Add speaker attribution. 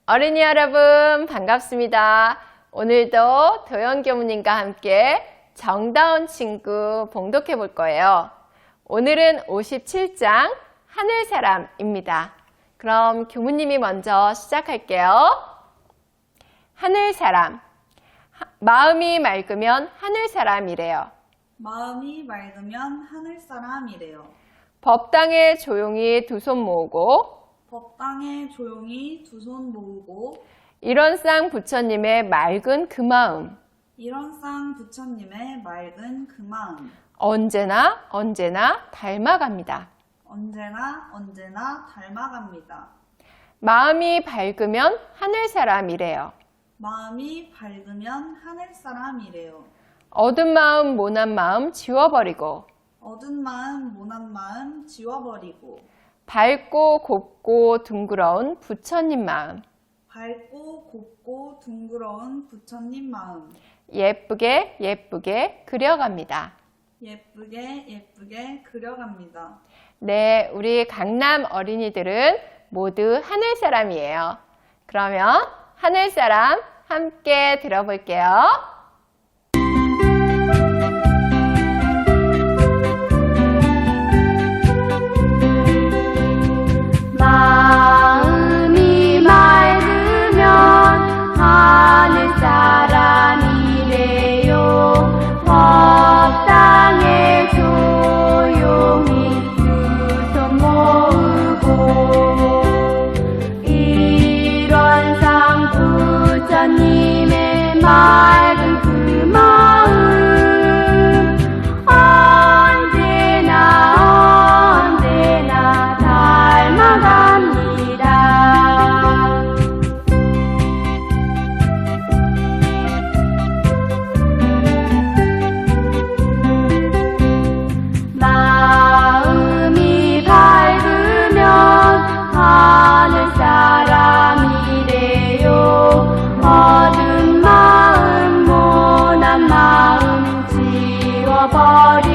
Speaker 1: 어린이 여러분 반갑습니다. 오늘도 도연교무님과 함께 정다운 친구 봉독해 볼 거예요. 오늘은 57장 하늘사람입니다. 그럼 교무님이 먼저 시작할게요. 하늘사람. 마음이 맑으면 하늘사람이래요.
Speaker 2: 마음이 맑으면 하늘사람이래요.
Speaker 1: 법당에 조용히 두 손 모으고
Speaker 2: 법당에 조용히 두 손 모으고
Speaker 1: 일원상 부처님의 맑은 그 마음
Speaker 2: 일원상 부처님의 맑은 그 마음
Speaker 1: 언제나 닮아갑니다.
Speaker 2: 언제나 닮아갑니다.
Speaker 1: 마음이 밝으면 하늘사람이래요.
Speaker 2: 마음이 밝으면 하늘사람이래요.
Speaker 1: 어두운 마음 모난 마음 지워버리고
Speaker 2: 어두운 마음 모난 마음 지워버리고
Speaker 1: 밝고 곱고 둥그러운 부처님 마음
Speaker 2: 밝고 곱고 둥그러운 부처님 마음
Speaker 1: 예쁘게 그려갑니다.
Speaker 2: 예쁘게 그려갑니다.
Speaker 1: 네, 우리 강남 어린이들은 모두 하늘사람이에요. 그러면 하늘사람 함께 들어볼게요.
Speaker 3: 마음이 맑으면 하늘사람이래요. 법당에 조용히 두 손 모으고 일원상 부처님의 맑은 그 마음 언제나 닮아갑니다. 마음이 밝으면 하늘사람이래요. 어두운 마음 모난 마음 지워버리